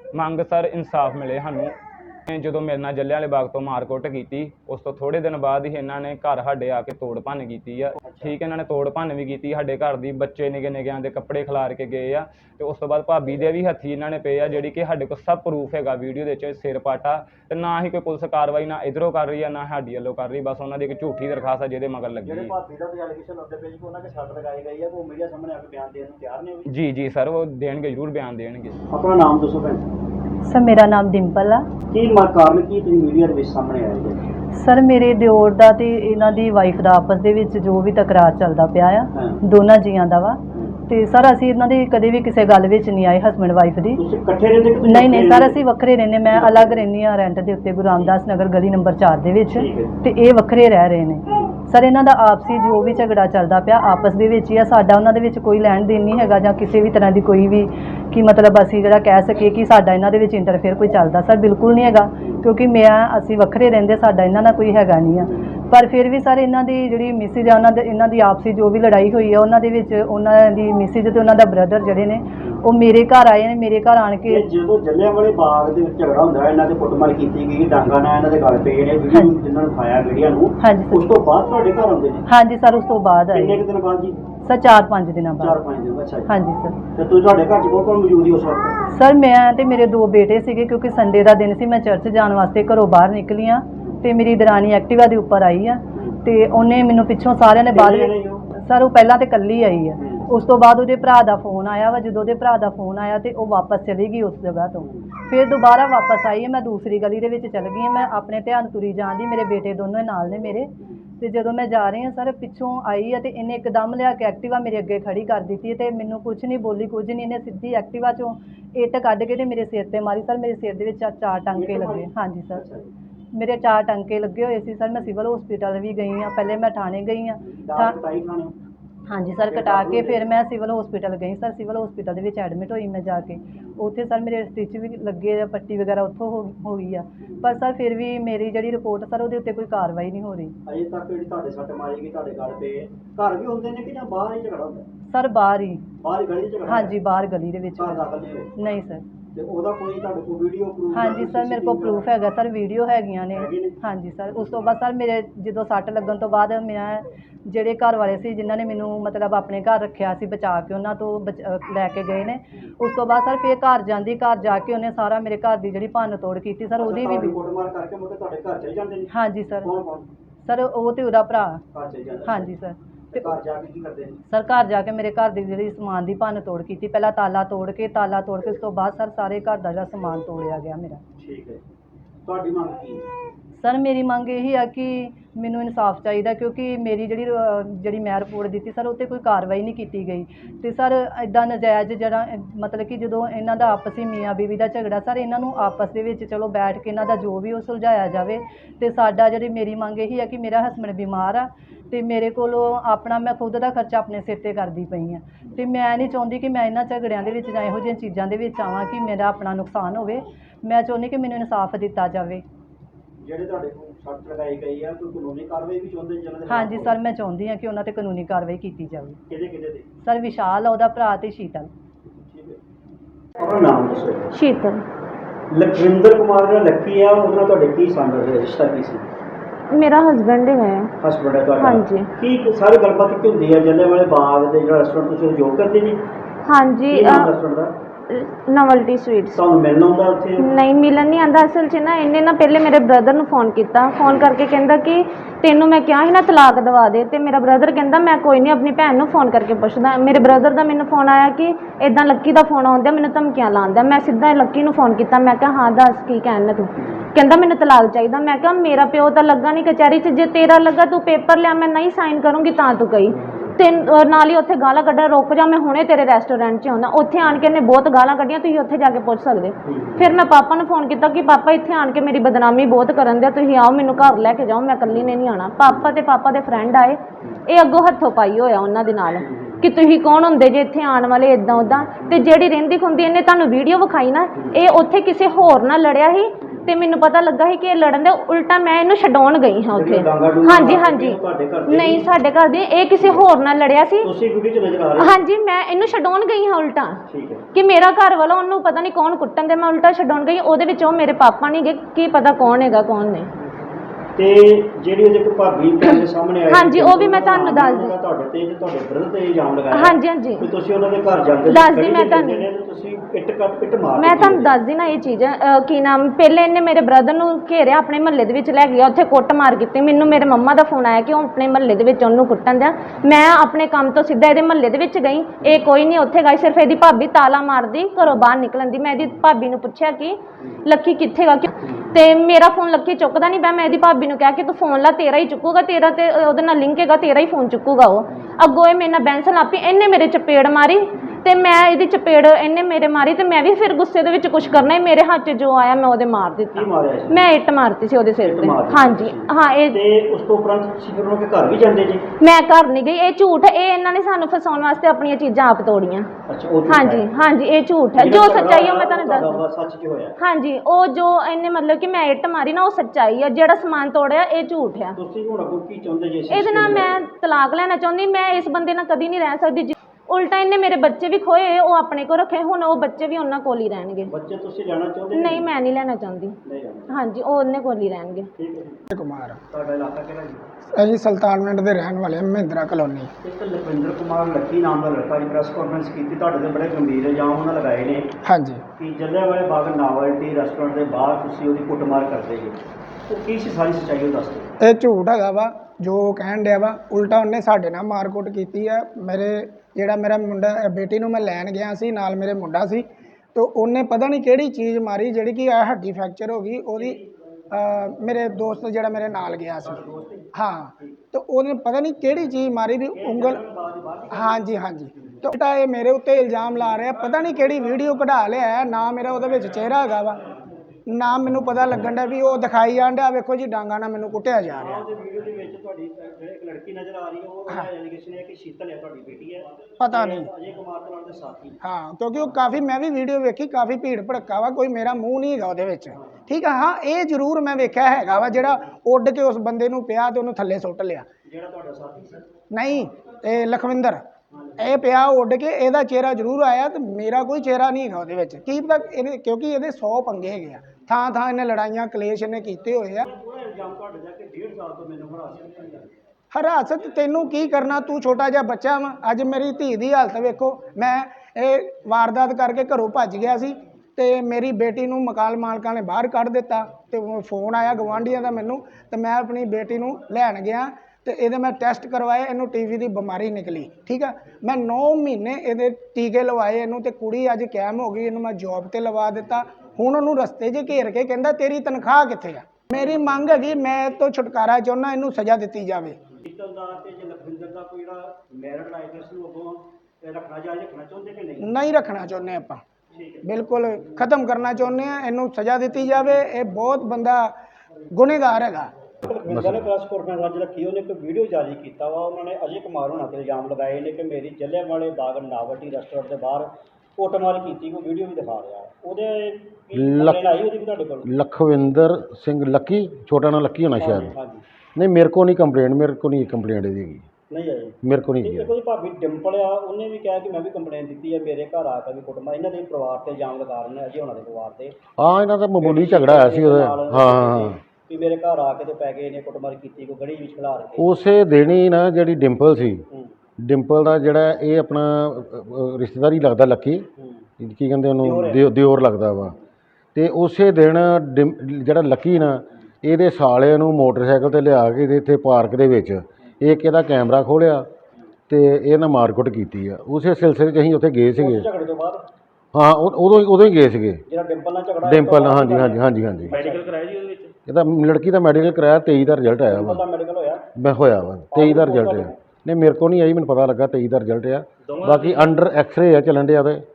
S2: ਮੰਗ ਸਰ ਇਨਸਾਫ ਮਿਲੇ ਸਾਨੂੰ। ਜਦੋਂ ਮੇਰੇ ਨਾਲ ਜੱਲਿਆਂ ਵਾਲੇ ਬਾਗ ਤੋਂ ਮਾਰਕੁੱਟ ਕੀਤੀ, ਉਸ ਤੋਂ ਥੋੜੇ ਦਿਨ ਬਾਅਦ ਹੀ ਇਹਨਾਂ ਨੇ ਘਰ ਸਾਡੇ ਆ ਕੇ ਤੋੜ ਭੰਨ ਕੀਤੀ ਆ। ਠੀਕ, ਇਹਨਾਂ ਨੇ ਤੋੜ ਭੰਨ ਵੀ ਕੀਤੀ ਸਾਡੇ ਘਰ ਦੀ, ਬੱਚੇ ਨਿੱਕੇ ਨਿੱਕਿਆਂ ਦੇ ਕੱਪੜੇ ਖਿਲਾਰ ਕੇ ਗਏ ਆ। ਤੇ ਉਸ ਤੋਂ ਬਾਅਦ ਭਾਬੀ ਦੇ ਵੀ ਹੱਥੀ ਇਹਨਾਂ ਨੇ ਪਏ ਆ, ਜਿਹੜੀ ਕਿ ਸਾਡੇ ਕੋਲ ਸਭ ਪ੍ਰੂਫ ਹੈਗਾ ਵੀਡੀਓ ਦੇ ਵਿੱਚ, ਸਿਰ ਪਾਟਾ। ਤੇ ਨਾ ਹੀ ਕੋਈ ਪੁਲਿਸ ਕਾਰਵਾਈ ਨਾ ਇਧਰੋਂ ਕਰ ਰਹੀ ਆ ਨਾ ਸਾਡੀ ਵੱਲੋਂ ਕਰ ਰਹੀ, ਬਸ ਉਹਨਾਂ ਦੀ ਇੱਕ ਝੂਠੀ ਦਰਖਾਸਤ ਆ ਜਿਹਦੇ ਮਗਰ ਲੱਗੀ
S3: ਜਿਹੜੇ
S2: ਹੈ।
S3: ਭਾਬੀ ਦਾ ਤੇ ਐਲੀਗੇਸ਼ਨ ਲੱਗਦੇ ਪਏ ਜੀ ਉਹਨਾਂ ਦੇ ਛੱਡ ਲਗਾਈ ਗਈ ਹੈ, ਉਹ ਮੀਡੀਆ ਸਾਹਮਣੇ ਆ ਕੇ ਬਿਆਨ ਦੇਣ ਨੂੰ ਤਿਆਰ ਨੇ ਉਹ ਵੀ?
S2: ਜੀ ਜੀ ਸਰ, ਉਹ ਦੇਣਗੇ, ਜ਼ਰੂਰ ਬਿਆਨ ਦੇਣਗੇ।
S3: ਆਪਣਾ ਨਾਮ ਦੱਸੋ ਭੈਣ।
S4: ਸਰ ਮੇਰਾ ਨਾਮ ਡਿੰਪਲ ਆ।
S3: ਕੀ ਮਾ ਕਾਰਨ ਕੀ ਤੁਸੀਂ ਮੀਡੀਆ ਦੇ ਵਿੱਚ ਸਾਹਮਣੇ ਆਏ ਜੀ?
S4: ਸਰ ਮੇਰੇ ਦਿਓਰ ਦਾ ਤੇ ਇਹਨਾਂ ਦੀ ਵਾਈਫ ਦਾ ਆਪਸ ਦੇ ਵਿੱਚ ਜੋ ਵੀ ਤਕਰਾਰ ਚੱਲਦਾ ਪਿਆ ਆ,
S3: ਹਾਂ।
S4: ਦੋਨਾਂ ਜੀਆਂ ਦਾ ਵਾ। ਤੇ ਸਰ ਅਸੀਂ ਇਹਨਾਂ ਦੀ ਕਦੇ ਵੀ ਕਿਸੇ ਗੱਲ ਵਿੱਚ ਨਹੀਂ ਆਏ, ਹਸਬੈਂਡ ਵਾਈਫ ਦੀ।
S3: ਤੁਸੀਂ ਇਕੱਠੇ ਰਹਿੰਦੇ ਕਿ ਤੁਸੀਂ
S4: ਨਹੀਂ ਨਹੀਂ
S3: ਵੱਖਰੇ
S4: ਸਰ, ਅਸੀਂ ਵੱਖਰੇ ਰਹਿੰਦੇ। ਮੈਂ ਅਲੱਗ ਰਹਿੰਦੀ ਹਾਂ ਰੈਂਟ ਦੇ ਉੱਤੇ, ਗੁਰੂ ਰਾਮਦਾਸ ਨਗਰ ਗਲੀ ਨੰਬਰ ਚਾਰ ਦੇ ਵਿੱਚ,
S3: ਠੀਕ ਹੈ।
S4: ਤੇ ਇਹ ਵੱਖਰੇ ਰਹਿ ਰਹੇ ਨੇ। ਸਰ ਇਹਨਾਂ ਦਾ ਆਪਸੀ ਜੋ ਵੀ ਝਗੜਾ ਚੱਲਦਾ ਪਿਆ ਆਪਸ ਦੇ ਵਿੱਚ ਹੀ ਆ, ਸਾਡਾ ਉਹਨਾਂ ਦੇ ਵਿੱਚ ਕੋਈ ਲੈਣ ਦੇਣ ਨਹੀਂ ਹੈਗਾ ਜਾਂ ਕਿਸੇ ਵੀ ਤਰ੍ਹਾਂ ਦੀ ਕੋਈ ਵੀ ਕਿ ਮਤਲਬ ਅਸੀਂ ਜਿਹੜਾ ਕਹਿ ਸਕੀਏ ਕਿ ਸਾਡਾ ਇਹਨਾਂ ਦੇ ਵਿੱਚ ਇੰਟਰਫੇਅਰ ਕੋਈ ਚੱਲਦਾ, ਸਰ ਬਿਲਕੁਲ ਨਹੀਂ ਹੈਗਾ। ਕਿਉਂਕਿ ਮੈਂ ਅਸੀਂ ਵੱਖਰੇ ਰਹਿੰਦੇ, ਸਾਡਾ ਇਹਨਾਂ ਨਾਲ ਕੋਈ ਹੈਗਾ ਨਹੀਂ ਆ। ਪਰ ਫਿਰ ਵੀ ਸਰ ਇਹਨਾਂ ਦੀ ਜਿਹੜੀ ਮਿਸਿਜ ਆ, ਉਹਨਾਂ ਦੇ ਇਹਨਾਂ ਦੀ ਆਪਸੀ ਜੋ ਵੀ ਲੜਾਈ ਹੋਈ ਆ, ਉਹਨਾਂ ਦੇ ਵਿੱਚ ਉਹਨਾਂ ਦੀ ਮਿਸਿਜ ਤੇ ਉਹਨਾਂ ਦਾ ਬ੍ਰਦਰ ਜਿਹੜੇ ਨੇ ਉਹ ਮੇਰੇ ਘਰ ਆਏ ਨੇ। ਮੇਰੇ ਘਰ ਆਣ ਕੇ
S3: ਇਹ ਜਦੋਂ ਜੱਲਿਆਂਵਾਲੇ ਬਾਗ ਦੇ ਵਿੱਚ ਝਗੜਾ ਹੁੰਦਾ ਹੈ, ਇਹਨਾਂ ਦੇ ਕੁੱਟਮਾਰ ਕੀਤੀ ਗਈ, ਡਾਂਗਾ ਨਾਲ ਇਹਨਾਂ ਦੇ ਗਲ ਪਏ ਨੇ, ਵੀਡੀਓ ਜਿਨ੍ਹਾਂ ਨੂੰ ਖਾਇਆ ਮੀਡੀਆ ਨੂੰ,
S4: ਹਾਂਜੀ ਸਰ।
S3: ਉਸ ਤੋਂ ਬਾਅਦ ਤੁਹਾਡੇ ਘਰ ਆਉਂਦੇ ਨੇ?
S4: ਹਾਂਜੀ ਸਰ, ਉਸ ਤੋਂ ਬਾਅਦ
S3: ਕਿੰਨੇ
S4: ਆਏ
S3: ਕੁ ਦਿਨ ਬਾਅਦ ਜੀ?
S4: ਸਰ ਚਾਰ ਪੰਜ ਦਿਨਾਂ
S3: ਚਾਰ
S4: ਬਾਅਦ।
S3: ਪੰਜ ਦਿਨ। ਅੱਛਾ ਜੀ।
S4: ਹਾਂਜੀ ਸਰ।
S3: ਤੇ ਤੁਸੀਂ ਤੁਹਾਡੇ ਘਰ 'ਚ ਕੌਣ ਕੌਣ ਮੌਜੂਦ ਸੀ ਉਸ ਵਕਤ?
S4: ਸਰ ਮੈਂ ਤੇ ਮੇਰੇ ਦੋ ਬੇਟੇ ਸੀਗੇ, ਕਿਉਂਕਿ ਸੰਡੇ ਦਾ ਦਿਨ ਸੀ, ਮੈਂ ਚਰਚ ਜਾਣ ਵਾਸਤੇ ਘਰੋਂ ਬਾਹਰ ਨਿਕਲੀ ਆ। ਤੇ ਮੇਰੀ ਦਰਾਣੀ ਐਕਟਿਵਾ ਦੇ ਉੱਪਰ ਆਈ ਆ, ਤੇ ਉਹਨੇ ਮੈਨੂੰ ਪਿੱਛੋਂ ਸਾਰਿਆਂ ਨੇ ਬਾਅਦ
S3: ਕਿੰਨੇ
S4: ਵਿੱਚ
S3: ਜਣੇ ਹੋ?
S4: ਸਰ ਉਹ ਪਹਿਲਾਂ ਤੇ ਇਕੱਲੀ ਆਈ ਆ।
S3: ਹੂੰ।
S4: ਉਸ ਤੋਂ ਬਾਅਦ ਉਹਦੇ ਭਰਾ ਦਾ ਫੋਨ ਆਇਆ ਵਾ। ਜਦੋਂ ਉਹਦੇ ਭਰਾ ਦਾ ਫੋਨ ਆਇਆ ਤੇ ਉਹ ਵਾਪਸ ਚਲੀ ਗਈ ਉਸ ਜਗ੍ਹਾ ਤੋਂ। ਫਿਰ ਦੁਬਾਰਾ ਵਾਪਸ ਆਈ ਹੈ, ਮੈਂ ਦੂਸਰੀ ਗਲੀ ਦੇ ਵਿੱਚ ਚਲ ਗਈ ਹਾਂ। ਮੈਂ ਆਪਣੇ ਧਿਆਨ ਤੁਰੀ ਜਾਣ ਦੀ, ਮੇਰੇ ਬੇਟੇ ਦੋਨੋਂ ਨਾਲ ਨੇ ਮੇਰੇ। ਤੇ ਜਦੋਂ ਮੈਂ ਜਾ ਰਹੀ ਹਾਂ ਸਰ, ਪਿੱਛੋਂ ਆਈ ਹੈ ਤੇ ਇਹਨੇ ਇੱਕਦਮ ਲਿਆ ਕੇ ਐਕਟਿਵਾ ਮੇਰੇ ਅੱਗੇ ਖੜੀ ਕਰ ਦਿੱਤੀ ਤੇ ਮੈਨੂੰ ਕੁਝ ਨਹੀਂ ਬੋਲੀ, ਕੁਝ ਨਹੀਂ। ਇਹਨੇ ਸਿੱਧੀ ਐਕਟਿਵਾ ਚੋਂ ਇੱਟ ਕੱਢ ਕੇ ਤੇ ਮੇਰੇ ਸਿਰ ਤੇ ਮਾਰੀ। ਸਰ ਮੇਰੇ ਸਿਰ ਦੇ ਵਿੱਚ ਚਾਰ ਟਾਂਕੇ ਲੱਗੇ। ਹਾਂਜੀ ਸਰ, ਮੇਰੇ ਚਾਰ ਟਾਂਕੇ ਲੱਗੇ ਹੋਏ ਸੀ। ਸਰ ਮੈਂ ਸਿਵਲ ਹਸਪੀਟਲ ਵੀ ਗਈ ਹਾਂ, ਪਹਿਲੇ ਮੈਂ ਥਾਣੇ ਗਈ ਹਾਂ।
S3: ਦਾਲ ਕਟਾਈ ਖਾਣੇ?
S4: ਹਾਂਜੀ ਸਰ, ਕਟਾ ਕੇ ਫਿਰ ਮੈਂ ਸਿਵਲ ਹਸਪੀਟਲ ਗਈ। ਸਰ ਸਿਵਲ ਹਸਪੀਟਲ ਦੇ ਵਿੱਚ ਐਡਮਿਟ ਹੋਈ ਮੈਂ ਜਾ ਕੇ। ਉੱਥੇ ਸਰ ਮੇਰੇ ਸਟਿਚ ਵੀ ਲੱਗੇ ਆ, ਪੱਟੀ ਵਗੈਰਾ ਉੱਥੋਂ ਹੋ ਹੋ ਗਈ ਆ। ਪਰ ਸਰ ਫਿਰ ਵੀ ਮੇਰੀ ਜਿਹੜੀ ਰਿਪੋਰਟ ਸਰ ਉਹਦੇ ਉੱਤੇ ਕੋਈ ਕਾਰਵਾਈ ਨਹੀਂ ਹੋ ਰਹੀ।
S3: ਅਜੇ ਤੱਕ ਜਿਹੜੀ ਤੁਹਾਡੇ ਸੱਟ ਮਾਰੀ ਗਈ, ਤੁਹਾਡੇ ਗਲ ਪਏ, ਘਰ ਵੀ ਹੁੰਦੇ ਨੇ ਕਿ ਜਾਂ ਬਾਹਰ ਹੀ ਝਗੜਾ ਹੁੰਦਾ?
S4: ਸਰ ਬਾਹਰ ਹੀ।
S3: ਬਾਹਰ ਹੀ ਗਲੀ 'ਚ ਝਗੜਾ?
S4: ਹਾਂਜੀ ਬਾਹਰ ਗਲੀ ਦੇ ਵਿੱਚ।
S3: ਘਰ ਦਾਖਲ ਨਹੀਂ ਹੋਏ?
S4: ਨਹੀਂ ਸਰ।
S3: ਤੇ ਉਹਦਾ ਕੋਈ ਤੁਹਾਡੇ ਕੋਲ ਵੀਡੀਓ ਪ੍ਰੂਫ?
S4: ਹਾਂਜੀ ਸਰ, ਮੇਰੇ ਕੋਲ ਪ੍ਰੂਫ ਹੈਗਾ ਸਰ, ਵੀਡੀਓ ਹੈਗੀਆਂ ਨੇ। ਹਾਂਜੀ ਸਰ। ਉਸ ਤੋਂ ਬਾਅਦ ਸਰ ਮੇਰੇ ਜਦੋਂ ਸੱਟ ਲੱਗਣ ਤੋਂ ਬਾਅਦ ਮੈਂ ਜਿਹੜੇ ਘਰ ਵਾਲੇ ਸੀ ਜਿਨ੍ਹਾਂ ਨੇ ਮੈਨੂੰ ਮਤਲਬ ਆਪਣੇ ਘਰ ਰੱਖਿਆ ਸੀ ਬਚਾ ਕੇ, ਉਹਨਾਂ ਤੋਂ ਬਚ ਅਹ ਲੈ ਕੇ ਗਏ ਨੇ। ਉਸ ਤੋਂ ਬਾਅਦ ਸਰ ਫਿਰ ਘਰ ਜਾਂਦੀ, ਘਰ ਜਾ ਕੇ ਉਹਨੇ ਸਾਰਾ ਮੇਰੇ ਘਰ ਦੀ ਜਿਹੜੀ ਭੰਨ ਤੋੜ ਕੀਤੀ ਸਰ, ਉਹਦੀ ਵੀ।
S3: ਕੁੱਟਮਾਰ ਕਰਕੇ ਮੁੜ ਕੇ ਤੁਹਾਡੇ ਘਰ ਚਲੇ ਜਾਂਦੇ ਨੇ?
S4: ਹਾਂਜੀ ਸਰ।
S3: ਕੌਣ ਕੌਣ?
S4: ਸਰ ਉਹ ਤੇ ਉਹਦਾ ਭਰਾ।
S3: ਘਰ ਚਲੇ ਜਾਂਦੇ?
S4: ਹਾਂਜੀ ਸਰ।
S3: ਤੇ ਘਰ ਜਾ ਕੇ ਕੀ ਕਰਦੇ ਨੇ?
S4: ਸਰ ਘਰ ਜਾ ਕੇ ਮੇਰੇ ਘਰ ਦੀ ਜਿਹੜੀ ਸਮਾਨ ਦੀ ਭੰਨ ਤੋੜ ਕੀਤੀ। ਪਹਿਲਾਂ ਤਾਲਾ ਤੋੜ ਕੇ ਤਾਲਾ ਤੋੜ ਕੇ ਉਸ ਤੋਂ ਬਾਅਦ ਸਰ ਸਾਰੇ ਘਰ ਦਾ ਜਿਹੜਾ ਸਮਾਨ ਤੋੜਿਆ ਗਿਆ ਮੇਰਾ।
S3: ਠੀਕ ਹੈ। ਤੁਹਾਡੀ ਮੰਗ ਕੀ ਹੈ?
S4: ਸਰ ਮੇਰੀ ਮੰਗ ਇਹੀ ਆ ਕਿ ਮੈਨੂੰ ਇਨਸਾਫ ਚਾਹੀਦਾ, ਕਿਉਂਕਿ ਮੇਰੀ ਜਿਹੜੀ ਅਹ ਜਿਹੜੀ ਮੈਂ ਰਿਪੋਰਟ ਦਿੱਤੀ ਸਰ ਉੱਤੇ ਕੋਈ ਕਾਰਵਾਈ ਨਹੀਂ ਕੀਤੀ ਗਈ। ਤੇ ਸਰ ਇੱਦਾਂ ਨਜਾਇਜ਼ ਜਿਹੜਾ ਅਹ ਮਤਲਬ ਕਿ ਜਦੋਂ ਇਹਨਾਂ ਦਾ ਆਪਸੀ ਮੀਆਂ ਬੀਵੀ ਦਾ ਝਗੜਾ, ਸਰ ਇਹਨਾਂ ਨੂੰ ਆਪਸ ਦੇ ਵਿੱਚ ਚਲੋ ਬੈਠ ਕੇ ਇਹਨਾਂ ਦਾ ਜੋ ਵੀ ਉਹ ਸੁਲਝਾਇਆ ਜਾਵੇ। ਤੇ ਸਾਡਾ ਜਿਹੜੀ ਮੇਰੀ ਮੰਗ ਇਹੀ ਆ ਕਿ ਮੇਰਾ ਹਸਬੈਂਡ ਬਿਮਾਰ ਆ ਤੇ ਮੇਰੇ ਕੋਲੋਂ ਆਪਣਾ ਮੈਂ ਖੁਦ ਦਾ ਖਰਚਾ ਆਪਣੇ ਸਿਰ ਤੇ ਕਰਦੀ ਪਈ ਆ। ਤੇ ਮੈਂ ਨਹੀਂ ਚਾਹੁੰਦੀ ਕਿ ਮੈਂ ਇਹਨਾਂ ਝਗੜਿਆਂ ਦੇ ਵਿੱਚ ਜਾਂ ਇਹੋ ਜਿਹੀਆਂ ਚੀਜ਼ਾਂ ਦੇ ਵਿੱਚ ਆਵਾਂ ਕਿ ਮੇਰਾ ਆਪਣਾ ਨੁਕਸਾਨ ਹੋਵੇ। ਮੈਂ ਚਾਹੁੰਦੀ ਕਿ ਮੈਨੂੰ ਇਨਸਾਫ ਦਿੱਤਾ ਜਾਵੇ।
S3: ਜਿਹੜੇ ਤੁਹਾਡੇ ਕੋਲ ਸੱਟ ਲਗਾਈ ਗਈ ਆ, ਕੋਈ ਕਾਨੂੰਨੀ ਕਾਰਵਾਈ ਵੀ ਚਾਹੁੰਦੇ ਜਿਹਨਾਂ ਦੇ?
S4: ਹਾਂਜੀ ਸਰ, ਮੈਂ ਚਾਹੁੰਦੀ ਹਾਂ ਕਿ ਉਹਨਾਂ ਤੇ ਕਾਨੂੰਨੀ ਕਾਰਵਾਈ ਕੀਤੀ ਜਾਵੇ।
S3: ਕਿਹਦੇ ਕਿਹਦੇ ਤੇ?
S4: ਸਰ ਵਿਸ਼ਾਲ ਆ ਉਹਦਾ ਭਰਾ ਤੇ ਸ਼ੀਤਲ।
S3: ਠੀਕ ਹੈ। ਆਪਣਾ ਨਾਮ ਦੱਸੋ।
S5: ਸ਼ੀਤਲ।
S3: ਲਖਵਿੰਦਰ ਕੁਮਾਰ ਜਿਹੜਾ ਲੱਕੀ ਆ, ਉਹਦੇ ਨਾਲ ਤੁਹਾਡੇ ਕੀ ਸੰਬੰਧ ਹੈ, ਰਿਸ਼ਤਾ ਕੀ ਸੀ?
S5: ਮੇਰਾ ਹਸਬੈਂਡ ਹੈਗਾ ਹੈ।
S3: ਹਸਬੈਂਡ ਹੈ ਤੁਹਾਡਾ?
S5: ਹਾਂਜੀ।
S3: ਕੀ ਸਾਰੀ ਗੱਲਬਾਤ ਕੀ ਹੁੰਦੀ ਹੈ ਜੱਲਿਆਂਵਾਲੇ ਬਾਗ ਦੇ ਜਿਹੜਾ ਰੈਸਟੋਰੈਂਟ ਤੁਸੀਂ ਜੋਬ ਕਰਦੇ ਜੀ?
S5: ਹਾਂਜੀ।
S3: ਕੀ ਨਾਮ ਰੈਸਟੋਰੈਂਟ ਦਾ?
S5: ਨਵਲਟੀ ਸਵੀਟਸ।
S3: ਤੁਹਾਨੂੰ ਮਿਲਣਾ ਹੁੰਦਾ ਉੱਥੇ?
S5: ਨਹੀਂ, ਮਿਲਣ ਨਹੀਂ ਆਂਦਾ। ਅਸਲ 'ਚ ਨਾ ਇਹਨੇ ਨਾ ਪਹਿਲੇ ਮੇਰੇ ਬ੍ਰਦਰ ਨੂੰ ਫੋਨ ਕੀਤਾ, ਫੋਨ ਕਰਕੇ ਕਹਿੰਦਾ ਕਿ ਤੈਨੂੰ ਮੈਂ ਕਿਹਾ ਸੀ ਨਾ ਤਲਾਕ ਦਵਾ ਦੇ। ਤੇ ਮੇਰਾ ਬ੍ਰਦਰ ਕਹਿੰਦਾ ਮੈਂ ਕੋਈ ਨਹੀਂ ਆਪਣੀ ਭੈਣ ਨੂੰ ਫੋਨ ਕਰਕੇ ਪੁੱਛਦਾ। ਮੇਰੇ ਬ੍ਰਦਰ ਦਾ ਮੈਨੂੰ ਫੋਨ ਆਇਆ ਕਿ ਇੱਦਾਂ ਲੱਕੀ ਦਾ ਫੋਨ ਆਉਂਦਾ, ਮੈਨੂੰ ਧਮਕੀਆਂ ਲਾਉਂਦਾ। ਮੈਂ ਸਿੱਧਾ ਲੱਕੀ ਨੂੰ ਫੋਨ ਕੀਤਾ, ਮੈਂ ਕਿਹਾ ਹਾਂ ਦੱਸ ਕੀ ਕਹਿਣਾ ਤੂੰ? ਕਹਿੰਦਾ ਮੈਨੂੰ ਤਲਾਕ ਚਾਹੀਦਾ। ਮੈਂ ਕਿਹਾ ਮੇਰਾ ਪਿਓ ਤਾਂ ਲੱਗਾ ਨਹੀਂ ਕਚਹਿਰੀ 'ਚ, ਜੇ ਤੇਰਾ ਲੱਗਾ ਤੂੰ ਪੇਪਰ ਲਿਆ, ਮੈਂ ਨਹੀਂ ਸਾਈਨ ਕਰੂੰਗੀ ਤਾਂ ਤੂੰ ਕਹੀ। ਤੇ ਨਾਲ ਹੀ ਉੱਥੇ ਗਾਲਾਂ ਕੱਢਣ, ਰੁਕ ਜਾ ਮੈਂ ਹੁਣੇ ਤੇਰੇ ਰੈਸਟੋਰੈਂਟ 'ਚ ਆਉਂਦਾ। ਉੱਥੇ ਆਣ ਕੇ ਇਹਨੇ ਬਹੁਤ ਗਾਲਾਂ ਕੱਢੀਆਂ, ਤੁਸੀਂ ਉੱਥੇ ਜਾ ਕੇ ਪੁੱਛ ਸਕਦੇ। ਫਿਰ ਮੈਂ ਪਾਪਾ ਨੂੰ ਫੋਨ ਕੀਤਾ ਕਿ ਪਾਪਾ ਇੱਥੇ ਆਣ ਕੇ ਮੇਰੀ ਬਦਨਾਮੀ ਬਹੁਤ ਕਰਨ ਦਿਆ, ਤੁਸੀਂ ਆਓ ਮੈਨੂੰ ਘਰ ਲੈ ਕੇ ਜਾਓ, ਮੈਂ ਇਕੱਲੀ ਨੇ ਨਹੀਂ ਆਉਣਾ। ਪਾਪਾ ਤੇ ਪਾਪਾ ਦੇ ਫਰੈਂਡ ਆਏ, ਇਹ ਅੱਗੋਂ ਹੱਥੋਂ ਪਾਈ ਹੋਇਆ ਉਹਨਾਂ ਦੇ ਨਾਲ ਕਿ ਤੁਸੀਂ ਕੌਣ ਹੁੰਦੇ ਜੇ ਇੱਥੇ ਆਉਣ ਵਾਲੇ, ਇੱਦਾਂ ਉੱਦਾਂ। ਤੇ ਜਿਹੜੀ ਰਹਿੰਦੀ ਖੁੰਦੀ ਇਹਨੇ ਤੁਹਾਨੂੰ ਵੀਡੀਓ ਵਿਖਾਈ ਨਾ, ਇਹ ਉੱਥੇ ਕਿਸੇ ਹੋਰ ਨਾਲ ਲੜਿਆ ਸੀ ਤੇ ਮੈਨੂੰ ਪਤਾ ਲੱਗਾ ਸੀ ਕਿ ਇਹ ਲੜਨ ਦੇ, ਉਲਟਾ ਮੈਂ ਇਹਨੂੰ ਛਡਾਉਣ ਗਈ ਹਾਂ ਉੱਥੇ।
S3: ਜਿਹੜੀਆਂ ਡਾਂਗਾਂ ਡੂੰਗਾਂ
S5: ਹਾਂਜੀ
S3: ਮਾਰਦੇ
S5: ਹਾਂਜੀ
S3: ਉਹ ਤੁਹਾਡੇ ਘਰ ਦੇ
S5: ਨਹੀਂ ਸਾਡੇ ਘਰ ਦੇ, ਇਹ ਕਿਸੇ ਹੋਰ ਨਾਲ ਲੜਿਆ ਸੀ।
S3: ਤੁਸੀਂ ਵੀਡੀਓ 'ਚ ਨਜ਼ਰ ਆ ਰਹੇ ਹੋ?
S5: ਹਾਂਜੀ ਮੈਂ ਇਹਨੂੰ ਛਡਾਉਣ ਗਈ ਹਾਂ ਉਲਟਾ,
S3: ਠੀਕ ਹੈ।
S5: ਕਿ ਮੇਰਾ ਘਰ ਵਾਲਾ ਉਹਨੂੰ ਪਤਾ ਨਹੀਂ ਕੌਣ ਕੁੱਟਣ ਦੇ, ਮੈਂ ਉਲਟਾ ਛਡਾਉਣ ਗਈ। ਉਹਦੇ ਵਿੱਚ ਉਹ ਮੇਰੇ ਪਾਪਾ ਨਹੀਂ ਗਏ, ਕੀ ਪਤਾ ਕੌਣ ਹੈਗਾ ਕੌਣ ਨਹੀਂ।
S3: ਤੇ ਜਿਹੜੀ ਉਹਦੇ ਕੋਈ ਭਾਬੀ ਤੁਹਾਡੇ ਸਾਹਮਣੇ ਆਈ,
S5: ਹਾਂਜੀ, ਉਹ ਵੀ ਮੈਂ ਤੁਹਾਨੂੰ ਦੱਸ ਦਿੰਦੀ।
S3: ਤੁਹਾਡੇ ਤੇ ਤੇ ਤੁਹਾਡੇ ਬ੍ਰਦਰ ਤੇ ਇਲਜ਼ਾਮ ਲਗਾਇਆ।
S5: ਹਾਂਜੀ ਹਾਂਜੀ
S3: ਕਿ ਤੁਸੀਂ ਉਹਨਾਂ ਦੇ ਘਰ ਜਾਂਦੇ
S5: ਦੱਸਦੀ
S3: ਗਲੀ
S5: ਮੈਂ
S3: ਦੇ
S5: ਤੁਹਾਨੂੰ।
S3: ਜਾਂਦੇ ਨੇ ਤੇ ਤੁਸੀਂ ਇੱਟ ਕੱਟ ਇੱਟ ਮਾਰ
S5: ਮੈਂ
S3: ਦਿੱਤੀ
S5: ਤੁਹਾਨੂੰ
S3: ਉਹਦੇ।
S5: ਦੱਸਦੀ ਨਾ ਇਹ ਚੀਜ਼ ਅਹ ਕੀ ਨਾਮ, ਪਹਿਲੇ ਇਹਨੇ ਮੇਰੇ ਬ੍ਰਦਰ ਨੂੰ ਘੇਰਿਆ, ਆਪਣੇ ਮਹੱਲੇ ਦੇ ਵਿੱਚ ਲੈ ਗਿਆ, ਉੱਥੇ ਕੁੱਟ ਮਾਰ ਕੀਤੀ। ਮੈਨੂੰ ਮੇਰੇ ਮੰਮਾ ਦਾ ਫੋਨ ਆਇਆ ਕਿ ਉਹ ਆਪਣੇ ਮਹੱਲੇ ਦੇ ਵਿੱਚ ਉਹਨੂੰ ਕੁੱਟਣ ਦਿਆ। ਮੈਂ ਆਪਣੇ ਕੰਮ ਤੋਂ ਸਿੱਧਾ ਇਹਦੇ ਮਹੱਲੇ ਦੇ ਵਿੱਚ ਗਈ, ਇਹ ਕੋਈ ਨਹੀਂ ਉੱਥੇ ਗਈ, ਸਿਰਫ ਇਹਦੀ ਭਾਬੀ ਤਾਲਾ ਮਾਰਦੀ ਘਰੋਂ ਬਾਹਰ ਨਿਕਲਣ ਦੀ। ਮੈਂ ਇਹਦੀ ਭਾਬੀ ਨੂੰ ਪੁੱਛਿਆ ਕਿ ਲੱਕੀ ਕਿੱਥੇ ਗਾ, ਤੇ ਮੇਰਾ ਫੋਨ ਲੱਕੀ ਚੁੱਕਦਾ ਨਹੀਂ ਪਿਆ। ਮੈਂ ਇਹਦੀ ਭਾਬੀ ਨੂੰ ਕਿਹਾ ਕਿ ਤੂੰ ਫੋਨ ਲਾ, ਤੇਰਾ ਹੀ ਚੁੱਕੂਗਾ, ਤੇਰਾ ਤੇ ਉਹਦੇ ਨਾਲ ਲਿੰਕ ਹੈਗਾ, ਤੇਰਾ ਹੀ ਫੋਨ ਚੁੱਕੂਗਾ ਉਹ। ਅੱਗੋਂ ਇਹ ਮੇਰੇ ਨਾਲ ਬੈਂਸ ਲਾਪੀ, ਇਹਨੇ ਮੇਰੇ ਚਪੇੜ ਮਾਰੀ ਤੇ ਮੈਂ ਇਹਦੀ ਚਪੇੜ ਇਹਨੇ ਮੇਰੇ ਮਾਰੀ, ਤੇ ਮੈਂ ਵੀ ਫਿਰ ਗੁੱਸੇ ਦੇ ਵਿੱਚ ਕੁਝ ਕਰਨਾ ਹੀ, ਮੇਰੇ ਹੱਥ 'ਚ ਜੋ ਆਇਆ ਮੈਂ ਉਹਦੇ ਮਾਰ ਦਿੱਤਾ।
S3: ਕੀ ਮਾਰਿਆ ਸੀ?
S5: ਮੈਂ ਇੱਟ ਮਾਰਤੀ ਸੀ ਉਹਦੇ ਸਿਰ
S3: ਇੱਟ
S5: ਤੇ।
S3: ਮਾਰ ਦਿੱਤੀ
S5: ਹਾਂਜੀ
S3: ਸੀ।
S5: ਹਾਂ ਇਹ
S3: ਤੇ ਉਸ ਤੋਂ ਉਪਰੰਤ ਤੁਸੀਂ ਫਿਰ ਉਹਨਾਂ ਦੇ ਘਰ ਵੀ ਜਾਂਦੇ ਜੀ?
S5: ਮੈਂ ਘਰ ਨਹੀਂ ਗਈ, ਇਹ ਝੂਠ ਹੈ। ਇਹ ਇਹਨਾਂ ਨੇ ਸਾਨੂੰ ਫਸਾਉਣ ਵਾਸਤੇ ਆਪਣੀਆਂ ਚੀਜ਼ਾਂ ਆਪ ਤੋੜੀਆਂ।
S3: ਅੱਛਾ, ਉਹ ਝੂਠ
S5: ਹਾਂਜੀ
S3: ਹੈ।
S5: ਹਾਂਜੀ ਇਹ ਝੂਠ ਹੈ,
S3: ਜਿਹੜਾ
S5: ਜੋ
S3: ਝਗੜਾ
S5: ਸੱਚਾਈ ਹੈ ਉਹ
S3: ਹੋਇਆ,
S5: ਮੈਂ ਤੁਹਾਨੂੰ ਦੱਸ
S3: ਤੁਹਾਡਾ
S5: ਦਿੰਦੀ।
S3: ਸੱਚ ਕੀ ਹੋਇਆ?
S5: ਹਾਂਜੀ ਉਹ ਜੋ ਇਹਨੇ ਮਤਲਬ ਕਿ ਮੈਂ ਇੱਟ ਮਾਰੀ ਨਾ, ਉਹ ਸੱਚਾਈ ਹੈ। ਜਿਹੜਾ ਸਮਾਨ ਤੋੜਿਆ ਇਹ ਝੂਠ ਹੈ।
S3: ਤੁਸੀਂ ਹੁਣ ਅੱਗੋਂ ਕੀ ਚਾਹੁੰਦੇ ਜੀ?
S5: ਇਹਦੇ ਨਾਲ ਮੈਂ ਤਲਾਕ ਲੈਣਾ ਚਾਹੁੰਦੀ। ਮੈਂ ਇਸ ਬੰਦੇ ਨਾਲ ਕਦੀ ਨਹੀਂ ਰਹਿ ਸਕਦੀ। ਜਿ- ਉਲਟਾ ਇਹਨੇ ਮੇਰੇ ਬੱਚੇ ਵੀ ਖੋਏ ਹੋਏ, ਉਹ ਆਪਣੇ ਕੋਲ ਰੱਖੇ, ਹੁਣ ਉਹ ਬੱਚੇ ਵੀ ਉਹਨਾਂ ਕੋਲ ਹੀ ਰਹਿਣਗੇ।
S3: ਬੱਚੇ ਤੁਸੀਂ ਲੈਣਾ ਚਾਹੁੰਦੇ?
S5: ਨਹੀਂ ਮੈਂ ਨਹੀਂ ਲੈਣਾ ਚਾਹੁੰਦੀ।
S3: ਨਹੀਂ ਲੈਣਾ।
S5: ਹਾਂਜੀ ਉਹ ਉਹਨੇ ਕੋਲ ਹੀ ਰਹਿਣਗੇ।
S3: ਠੀਕ ਹੈ ਜੀ।
S6: ਕੁਮਾਰ
S3: ਤੁਹਾਡਾ ਇਲਾਕਾ ਕਿਹੜਾ ਜੀ?
S6: ਅਸੀਂ ਸੁਲਤਾਨਵਿੰਡ ਦੇ ਰਹਿਣ ਵਾਲੇ ਹਾਂ, ਮਹਿੰਦਰਾ ਕਲੋਨੀ।
S3: ਇੱਕ ਲਖਵਿੰਦਰ ਕੁਮਾਰ ਲੱਕੀ ਨਾਮ ਦਾ ਲੜਕਾ ਜੀ ਪ੍ਰੈਸ ਕਾਨਫਰੰਸ ਕੀਤੀ, ਤੁਹਾਡੇ ਤੇ ਬੜੇ ਗੰਭੀਰ ਇਲਜ਼ਾਮ ਉਹਨਾਂ ਲਗਾਏ ਨੇ
S6: ਹਾਂਜੀ
S3: ਕਿ ਜਲਿਆਂਵਾਲੇ ਬਾਗ ਨਾਵਲਟੀ ਰੈਸਟੋਰੈਂਟ ਦੇ ਬਾਹਰ ਤੁਸੀਂ ਉਹਦੀ ਕੁੱਟਮਾਰ ਕਰਦੇ ਜੀ। ਉਹ ਕੀ ਸੀ ਸਾਰੀ ਸੱਚਾਈ, ਉਹ ਦੱਸ ਦਿਓ।
S6: ਇਹ ਝੂਠ ਹੈਗਾ ਵਾ ਜੋ ਕਹਿਣ ਡਿਆ ਵਾ। ਉਲਟਾ ਉਹਨੇ ਸਾਡੇ ਨਾਲ ਮਾਰਕੁੱਟ ਕੀਤੀ ਹੈ। ਮੇਰੇ ਜਿਹੜਾ ਮੇਰਾ ਮੁੰਡਾ ਬੇਟੀ ਨੂੰ ਮੈਂ ਲੈਣ ਗਿਆ ਸੀ, ਨਾਲ ਮੇਰੇ ਮੁੰਡਾ ਸੀ, ਤੇ ਉਹਨੇ ਪਤਾ ਨਹੀਂ ਕਿਹੜੀ ਚੀਜ਼ ਮਾਰੀ ਜਿਹੜੀ ਕਿ ਇਹ ਹੱਡੀ ਫ੍ਰੈਕਚਰ ਹੋ ਗਈ ਉਹਦੀ। ਅਹ ਮੇਰੇ ਦੋਸਤ ਜਿਹੜਾ ਮੇਰੇ ਨਾਲ ਗਿਆ ਸੀ, ਹਾਂ, ਤੇ ਉਹਨੇ ਪਤਾ ਨਹੀਂ ਕਿਹੜੀ ਚੀਜ਼ ਮਾਰੀ ਵੀ ਉਂਗਲ। ਹਾਂਜੀ ਹਾਂਜੀ ਤੇ ਉਲਟਾ ਇਹ ਮੇਰੇ ਉੱਤੇ ਇਲਜ਼ਾਮ ਲਾ ਰਿਹਾ। ਪਤਾ ਨਹੀਂ ਕਿਹੜੀ ਵੀਡੀਓ ਕਢਾ ਲਿਆ ਹੈ, ਨਾ ਮੇਰਾ ਉਹਦੇ ਵਿੱਚ ਚਿਹਰਾ ਹੈਗਾ ਵਾ, ਨਾ ਮੈਨੂੰ ਪਤਾ ਲੱਗਣ ਡਿਆ ਵੀ ਉਹ ਦਿਖਾਈ ਜਾਣ ਡਿਆ। ਵੇਖੋ ਜੀ ਡਾਂਗਾ ਨਾਲ ਮੈਨੂੰ ਕੁੱਟਿਆ ਜਾ ਰਿਹਾ।
S3: ਉਹਦੇ ਵੀਡੀਓ ਦੇ ਵਿੱਚ ਤੁਹਾਡੀ ਇੱਕ ਲੜਕੀ ਨਜ਼ਰ ਆ ਰਹੀ ਹੈ, ਉਹ ਐਲੀਗੇਸ਼ਨ ਹੈ ਕਿ ਸ਼ੀਤਲ ਹੈ ਤੁਹਾਡੀ ਬੇਟੀ ਹੈ।
S6: ਪਤਾ ਨਹੀਂ।
S3: ਅਜੇ ਕੁਮਾਰ ਦੇ ਨਾਲ ਦੇ ਸਾਥੀ।
S6: ਹਾਂ ਕਿਉਂਕਿ ਉਹ ਕਾਫੀ, ਮੈਂ ਵੀ ਵੀਡੀਓ ਵੇਖੀ, ਕਾਫੀ ਭੀੜ ਭੜੱਕਾ ਵਾ, ਕੋਈ ਮੇਰਾ ਮੂੰਹ ਨਹੀਂ ਹੈਗਾ ਉਹਦੇ ਵਿੱਚ। ਠੀਕ ਆ, ਹਾਂ ਇਹ ਜ਼ਰੂਰ ਮੈਂ ਵੇਖਿਆ ਹੈਗਾ ਵਾ ਜਿਹੜਾ ਉੱਡ ਕੇ ਉਸ ਬੰਦੇ ਨੂੰ ਪਿਆ ਤੇ ਉਹਨੂੰ ਥੱਲੇ ਸੁੱਟ ਲਿਆ।
S3: ਜਿਹੜਾ ਤੁਹਾਡਾ ਸਾਥੀ ਸੀ?
S6: ਨਹੀਂ ਇਹ ਲਖਵਿੰਦਰ, ਇਹ ਪਿਆ ਉੱਡ ਕੇ, ਇਹਦਾ ਚਿਹਰਾ ਜ਼ਰੂਰ ਆਇਆ ਤੇ ਮੇਰਾ ਕੋਈ ਚਿਹਰਾ ਨਹੀਂ ਹੈਗਾ ਉਹਦੇ ਵਿੱਚ। ਕੀ ਪਤਾ ਇਹਦੇ, ਕਿਉਂਕਿ ਇਹਦੇ ਸੌ ਪੰਗੇ ਹੈਗੇ ਆ, ਥਾਂ ਥਾਂ ਇਹਨੇ ਲੜਾਈਆਂ ਕਲੇਸ਼ ਇਹਨੇ ਕੀਤੇ ਹੋਏ ਆ।
S3: ਪੂਰਾ ਇਲਜ਼ਾਮ ਤੁਹਾਡੇ ਜਾ ਕੇ ਡੇਢ ਸਾਲ ਤੋਂ ਮੈਨੂੰ ਹਰਾਸ ਕੀਤਾ।
S6: ਹਰਾਸਤ ਤੈਨੂੰ ਕੀ ਕਰਨਾ, ਤੂੰ ਛੋਟਾ ਜਿਹਾ ਬੱਚਾ ਵਾ। ਅੱਜ ਮੇਰੀ ਧੀ ਦੀ ਹਾਲਤ ਵੇਖੋ। ਮੈਂ ਇਹ ਵਾਰਦਾਤ ਕਰਕੇ ਘਰੋਂ ਭੱਜ ਗਿਆ ਸੀ ਤੇ ਮੇਰੀ ਬੇਟੀ ਨੂੰ ਮਕਾਨ ਮਾਲਕਾਂ ਨੇ ਬਾਹਰ ਕੱਢ ਦਿੱਤਾ, ਤੇ ਫੋਨ ਆਇਆ ਗਵਾਂਢੀਆਂ ਦਾ ਮੈਨੂੰ, ਤੇ ਮੈਂ ਆਪਣੀ ਬੇਟੀ ਨੂੰ ਲੈਣ ਗਿਆ ਤੇ ਇਹਦੇ ਮੈਂ ਟੈਸਟ ਕਰਵਾਏ, ਇਹਨੂੰ ਟੀਵੀ ਦੀ ਬਿਮਾਰੀ ਨਿਕਲੀ। ਠੀਕ ਆ, ਮੈਂ ਨੌ ਮਹੀਨੇ ਇਹਦੇ ਟੀਕੇ ਲਵਾਏ ਇਹਨੂੰ, ਤੇ ਕੁੜੀ ਅੱਜ ਕੈਮ ਹੋ ਗਈ, ਇਹਨੂੰ ਮੈਂ ਜੌਬ ਤੇ ਲਵਾ ਦਿੱਤਾ। ਹੁਣ ਉਹਨੂੰ ਰਸਤੇ 'ਚ ਘੇਰ ਕੇ ਕਹਿੰਦਾ ਤੇਰੀ ਤਨਖਾਹ ਕਿੱਥੇ ਆ। ਮੇਰੀ ਮੰਗ ਹੈਗੀ ਮੈਂ ਇਹ ਤੋਂ ਛੁਟਕਾਰਾ ਚਾਹੁੰਦਾ, ਇਹਨੂੰ ਸਜ਼ਾ ਦਿੱਤੀ ਜਾਵੇ।
S3: ਸ਼ੀਤਲ ਦਾ ਤੇ ਜੇ ਲਖਵਿੰਦਰ ਦਾ ਕੋਈ ਜਿਹੜਾ ਮੈਰਿਡ ਲਾਈਫ ਹੈ ਉਸਨੂੰ ਅੱਗੋਂ ਰੱਖਣਾ ਜਾਇਜ਼ ਰੱਖਣਾ ਚਾਹੁੰਦੇ ਕਿ ਨਹੀਂ?
S6: ਨਹੀਂ ਰੱਖਣਾ ਚਾਹੁੰਦੇ ਆਪਾਂ,
S3: ਠੀਕ ਹੈ।
S6: ਬਿਲਕੁਲ ਖਤਮ ਕਰਨਾ ਚਾਹੁੰਦੇ ਆ। ਇਹਨੂੰ ਸਜ਼ਾ ਦਿੱਤੀ ਜਾਵੇ। ਇਹ ਬਹੁਤ ਬੰਦਾ ਗੁਨੇਗਾਰ ਹੈਗਾ।
S3: ਲਖਵਿੰਦਰ ਨੇ ਪ੍ਰੈਸ ਕਾਨਫਰੰਸ ਅੱਜ ਰੱਖੀ, ਉਹਨੇ ਇੱਕ ਵੀਡੀਓ ਜਾਰੀ ਕੀਤਾ ਵਾ। ਉਹਨਾਂ ਨੇ ਅਜੇ ਕੁਮਾਰ ਹੋਣਾ ਤੇ ਇਲਜ਼ਾਮ ਲਗਾਏ ਨੇ ਕਿ ਮੇਰੀ ਜਲਿਆਂਵਾਲੇ ਬਾਗ ਨਾਵਲਟੀ ਰੈਸਟੋਰੈਂਟ ਦੇ ਬਾਹਰ ਕੁੱਟਮਾਰ ਕੀਤੀ। ਕੋਈ ਵੀਡੀਓ ਵੀ ਦਿਖਾ ਰਿਹਾ ਉਹਦੇ ਕੰਪਲੇਨ ਆਈ ਉਹਦੀ ਵੀ ਤੁਹਾਡੇ ਕੋਲ?
S1: ਲਖਵਿੰਦਰ ਸਿੰਘ ਲੱਕੀ, ਛੋਟਾ ਨਾਂ ਲੱਕੀ ਹੋਣਾ ਸ਼ਾਇਦ।
S3: ਹਾਂਜੀ।
S1: ਨਹੀਂ ਮੇਰੇ ਕੋ ਨਹੀਂ ਕੰਪਲੇਂਟ, ਮੇਰੇ ਕੋ ਨਹੀਂ ਕੰਪਲੇਂਟ ਇਹਦੀ ਹੈਗੀ,
S3: ਨਹੀਂ ਆਈ?
S1: ਮੇਰੇ ਕੋ ਨਹੀਂ
S3: ਇੱਕ
S1: ਹੈਗੀ।
S3: ਉਹਦੀ ਭਾਬੀ ਡਿੰਪਲ ਆ, ਉਹਨੇ ਵੀ ਕਿਹਾ ਕਿ ਮੈਂ ਵੀ ਕੰਪਲੇਨ ਦਿੱਤੀ ਹੈ, ਮੇਰੇ ਘਰ ਆ ਕੇ ਵੀ ਕੁੱਟਮਾਰ। ਇਹਨਾਂ ਦੇ ਪਰਿਵਾਰ ਤੇ ਇਲਜ਼ਾਮ ਲਗਾ ਰਹੇ ਨੇ, ਅਜੇ ਹੋਣਾ ਦੇ ਪਰਿਵਾਰ ਤੇ।
S1: ਹਾਂ ਇਹਨਾਂ ਦਾ ਮਾਮੂਲੀ ਝਗੜਾ ਆਇਆ ਸੀ ਉਹਦਾ। ਹਾਂ ਹਾਂ
S3: ਵੀ ਮੇਰੇ ਘਰ ਆ ਕੇ ਤੇ ਪੈ ਗਏ ਨੇ, ਕੁੱਟਮਾਰ ਕੀਤੀ, ਕੋਈ ਗਲੀ ਵਿੱਚ ਖਿਲਾਰ ਕੇ।
S1: ਉਸੇ ਦਿਨ ਹੀ ਨਾ ਜਿਹੜੀ ਡਿੰਪਲ ਸੀ,
S3: ਹੂੰ
S1: ਡਿੰਪਲ ਦਾ ਜਿਹੜਾ ਇਹ ਆਪਣਾ ਅ, ਅ, ਰਿਸ਼ਤੇਦਾਰੀ ਲੱਗਦਾ ਲੱਕੀ,
S3: ਹੂੰ
S1: ਕੀ ਕਹਿੰਦੇ ਉਹਨੂੰ, ਦਿਓ- ਦਿਓਰ ਲੱਗਦਾ ਵਾ। ਤੇ ਉਸੇ ਦਿਨ ਡਿੰ ਜਿਹੜਾ ਲੱਕੀ ਨਾ, ਇਹਦੇ ਸਾਲੇ ਨੂੰ ਮੋਟਰਸਾਈਕਲ ਤੇ ਲਿਆ ਕੇ ਤੇ ਇੱਥੇ ਪਾਰਕ ਦੇ ਵਿੱਚ ਇੱਕ ਇਹਦਾ ਕੈਮਰਾ ਖੋਲ੍ਹਿਆ ਤੇ ਇਹ ਨਾ ਮਾਰਕੁੱਟ ਕੀਤੀ ਆ। ਉਸੇ ਸਿਲਸਿਲੇ 'ਚ ਅਸੀਂ ਉੱਥੇ ਗਏ ਸੀਗੇ।
S3: ਝਗੜੇ ਤੋਂ ਬਾਅਦ
S1: ਹਾਂ ਉ- ਉਦੋਂ ਉਦੋਂ ਹੀ ਗਏ ਸੀਗੇ।
S3: ਜਿਹੜਾ ਡਿੰਪਲ ਨਾਲ ਝਗੜਾ,
S1: ਡਿੰਪਲ ਨਾਲ, ਹਾਂਜੀ ਹਾਂਜੀ ਹਾਂਜੀ ਹਾਂਜੀ।
S3: ਮੈਡੀਕਲ ਕਰਾਇਆ ਜੀ ਉਹਦੇ ਵਿੱਚ?
S1: ਇਹਦਾ ਲੜਕੀ ਦਾ ਮੈਡੀਕਲ ਕਰਾਇਆ, ਤੇਈ ਦਾ ਰਿਜ਼ਲਟ ਆਇਆ ਵਾ।
S3: ਉਹਦਾ ਮੈਡੀਕਲ ਹੋਇਆ?
S1: ਮੈਂ ਹੋਇਆ ਵਾ, ਤੇਈ ਦਾ ਰਿਜ਼ਲਟ ਆ। ਨਹੀਂ ਮੇਰੇ ਕੋਲ ਨਹੀਂ ਆਈ, ਮੈਨੂੰ ਪਤਾ ਲੱਗਾ ਤੇਈ ਦਾ ਰਿਜ਼ਲਟ ਆ। ਬਾਕੀ ਅੰਡਰ ਐਕਸਰੇ ਆ ਚੱਲਣ ਡਿਆ ਉਹਦੇ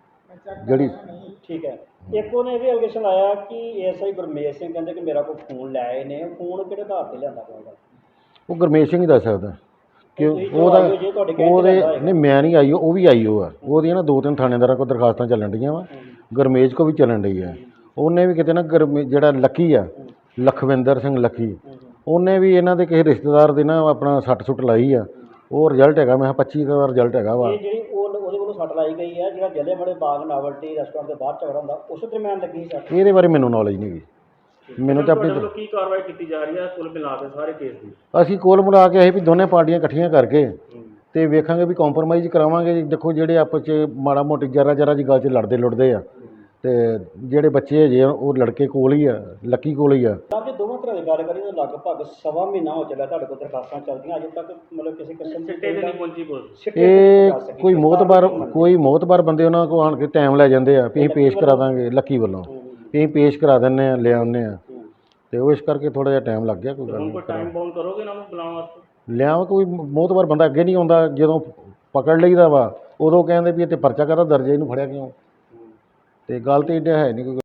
S1: ਜਿਹੜੀ।
S3: ਠੀਕ ਹੈ। ਇੱਕ ਉਹਨੇ ਇਹ ਵੀ ਐਲੀਗੇਸ਼ਨ ਲਾਇਆ ਕਿ ਐਸਆਈ ਗੁਰਮੇਸ਼ ਸਿੰਘ ਕਹਿੰਦੇ ਕਿ ਮੇਰਾ ਕੋਈ ਫੋਨ ਲੈ ਆਏ ਨੇ। ਫੋਨ ਕਿਹੜੇ ਆਧਾਰ ਤੇ ਲਿਆਂਦਾ ਹੋਊਗਾ?
S1: ਉਹ ਗੁਰਮੇਸ਼ ਸਿੰਘ ਹੀ ਦੱਸ ਸਕਦਾ ਕਿ
S3: ਤੁਸੀਂ ਜੋ
S1: ਉਹਦਾ,
S3: ਆਈ ਹੋ, ਜੇ ਤੁਹਾਡੇ ਕਹਿਣ ਤੇ
S1: ਉਹਦੇ
S3: ਲਿਆਂਦਾ
S1: ਨਹੀਂ ਮੈਂ ਨਹੀਂ ਆਈ, ਉਹ ਵੀ ਆਈ ਉਹ ਆ। ਉਹਦੀਆਂ ਨਾ ਦੋ ਤਿੰਨ ਥਾਣੇਦਾਰਾਂ ਕੋਲ ਦਰਖਾਸਤਾਂ ਚੱਲਣ ਡੀਆਂ ਵਾ, ਗੁਰਮੇਸ਼ ਕੋ ਵੀ ਚੱਲਣ ਡਈ ਆ।
S7: ਉਹਨੇ ਵੀ ਕਿਤੇ ਨਾ ਗਰਮੀ ਜਿਹੜਾ ਲੱਕੀ ਆ ਲਖਵਿੰਦਰ ਸਿੰਘ ਲੱਕੀ ਉਹਨੇ ਵੀ ਇਹਨਾਂ ਦੇ ਕਿਸੇ ਰਿਸ਼ਤੇਦਾਰ ਦੇ ਨਾ ਆਪਣਾ ਸੱਟ ਸੁੱਟ ਲਾਈ ਆ। ਉਹ ਰਿਜ਼ਲਟ ਹੈਗਾ ਮੈਂ ਕਿਹਾ ਪੱਚੀ ਦਾ ਰਿਜ਼ਲਟ ਹੈਗਾ ਵਾ।
S3: ਇਹ ਜਿਹੜੀ ਉਹ ਉਹਦੇ ਵੱਲੋਂ ਸੱਟ ਲਾਈ ਗਈ ਹੈ ਜਿਹੜਾ ਜਲਿਆਂਵਾਲੇ ਬਾਗ ਨਾਵਲਟੀ ਰੈਸਟੋਰੈਂਟ ਦੇ ਬਾਹਰ ਝਗੜਾ ਹੁੰਦਾ ਉਸ ਦਰਮਿਆਨ ਲੱਗੀ ਸੱਟ।
S7: ਇਹਦੇ ਬਾਰੇ ਮੈਨੂੰ ਨੌਲੇਜ ਨਹੀਂ ਗੀ। ਮੈਨੂੰ ਤਾਂ ਆਪਣੀ
S8: ਕੀ ਕਾਰਵਾਈ ਕੀਤੀ ਜਾ ਰਹੀ ਹੈ ਕੁੱਲ ਮਿਲਾ ਕੇ ਸਾਰੇ ਕੇਸ ਦੀ?
S7: ਅਸੀਂ ਕੋਲ ਮਿਲਾ ਕੇ ਅਸੀਂ ਵੀ ਦੋਨੇ ਪਾਰਟੀਆਂ ਇਕੱਠੀਆਂ ਕਰਕੇ ਤੇ ਵੇਖਾਂਗੇ ਵੀ ਕੰਪਰੋਮਾਈਜ਼ ਕਰਾਵਾਂਗੇ। ਦੇਖੋ ਜਿਹੜੇ ਆਪਸ 'ਚ ਮਾੜਾ ਮੋਟੀ ਜਰਾ ਜਰਾ ਜੀ ਗੱਲ 'ਚ ਲੜਦੇ ਲੁੜਦੇ ਆ ਤੇ ਜਿਹੜੇ ਬੱਚੇ ਹਜੇ ਉਹ ਲੜਕੇ ਕੋਲ ਹੀ ਆ ਲੱਕੀ ਕੋਲ ਹੀ ਆ।
S3: ਤਾਂ ਜੇ ਦੋਵਾਂ ਤਰ੍ਹਾਂ ਦੀ ਗੱਲ ਕਰੀਏ ਤਾਂ ਲਗਭਗ ਸਵਾ ਮਹੀਨਾ ਹੋ ਚੱਲਿਆ ਤੁਹਾਡੇ ਕੋਲ ਦਰਖਾਸਤਾਂ ਚੱਲਦੀਆਂ ਅਜੇ ਤੱਕ ਮਤਲਬ ਕਿਸੇ ਕਿਸਮ ਦੀ
S8: ਸਿੱਟੇ ਤੇ ਨਹੀਂ ਪਹੁੰਚੀ ਪੁਲਿਸ।
S7: ਇਹ ਕੋਈ ਮੋਤਬਾਰ ਕੋਈ ਮੋਤਬਾਰ ਬੰਦੇ ਉਹਨਾਂ ਕੋਲ ਆਣ ਕੇ ਟਾਈਮ ਲੈ ਜਾਂਦੇ ਆ ਵੀ ਅਸੀਂ ਪੇਸ਼ ਕਰਾ ਦਾਂਗੇ ਲੱਕੀ ਵੱਲੋਂ ਵੀ ਅਸੀਂ ਪੇਸ਼ ਕਰਾ ਦਿੰਦੇ ਆ ਲੈ ਆਉਂਦੇ ਆ ਤੇ ਉਹ ਇਸ ਕਰਕੇ ਥੋੜਾ ਜਿਹਾ ਟਾਈਮ ਲੱਗ ਗਿਆ। ਕੋਈ ਗੱਲ ਨਹੀਂ
S8: ਟਾਈਮ ਬਾਉਂਡ ਕਰੋਗੇ ਨਾ ਬੁਲਾਉਣ ਵਾਸਤੇ?
S7: ਲਿਆਵਾਂ ਕੋਈ ਮੋਤਬਾਰ ਬੰਦਾ ਅੱਗੇ ਨਹੀਂ ਆਉਂਦਾ ਜਦੋਂ ਪਕੜ ਲਈਦਾ ਵਾ ਉਦੋਂ ਕਹਿੰਦੇ ਵੀ ਇਹ ਤੇ ਪਰਚਾ ਕਾਹਦਾ ਦਰਜ ਹੈ ਇਹਨੂੰ ਫੜਿਆ ਕਿਉਂ ਤੇ ਗੱਲ ਤੇ ਇੱਡਾ ਹੈ ਨਹੀਂ ਕੋਈ ਗੱਲ।